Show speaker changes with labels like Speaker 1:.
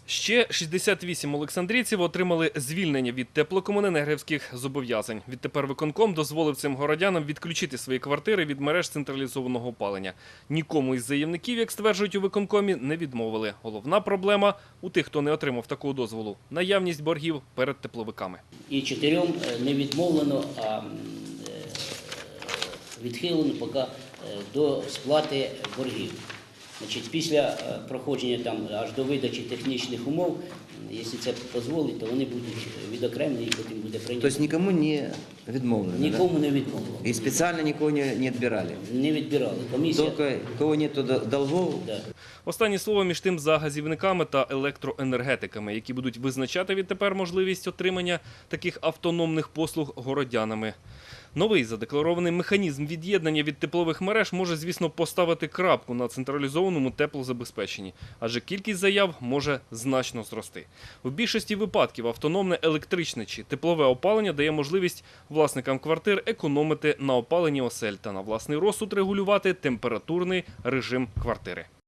Speaker 1: Ще 68 олександрійців отримали звільнення від теплокомуненергівських зобов'язань. Відтепер виконком дозволив цим городянам відключити свої квартири від мереж централізованого опалення. Нікому із заявників, як стверджують у виконкомі, не відмовили. Головна проблема у тих, хто не отримав такого дозволу – наявність боргів перед тепловиками.
Speaker 2: І 4 не відмовлено, а відхилено поки до сплати боргів. Значить, після проходження аж до видачі технічних умов, якщо це дозволить, то вони будуть відокремлені і потім буде прийнято.
Speaker 3: Тобто нікому не відмовлено?
Speaker 2: Нікому не відмовлено.
Speaker 3: І спеціально нікого не відбирали?
Speaker 2: Не відбирали. Комісія...
Speaker 3: Тільки кого нету долгов?
Speaker 2: Да.
Speaker 1: Останнє слово між тим за газівниками та електроенергетиками, які будуть визначати відтепер можливість отримання таких автономних послуг городянами. Новий задекларований механізм від'єднання від теплових мереж може, звісно, поставити крапку на централізованому теплозабезпеченні, адже кількість заяв може значно зрости. В більшості випадків автономне електричне чи теплове опалення дає можливість власникам квартир економити на опаленні осель та на власний розсуд регулювати температурний режим квартири.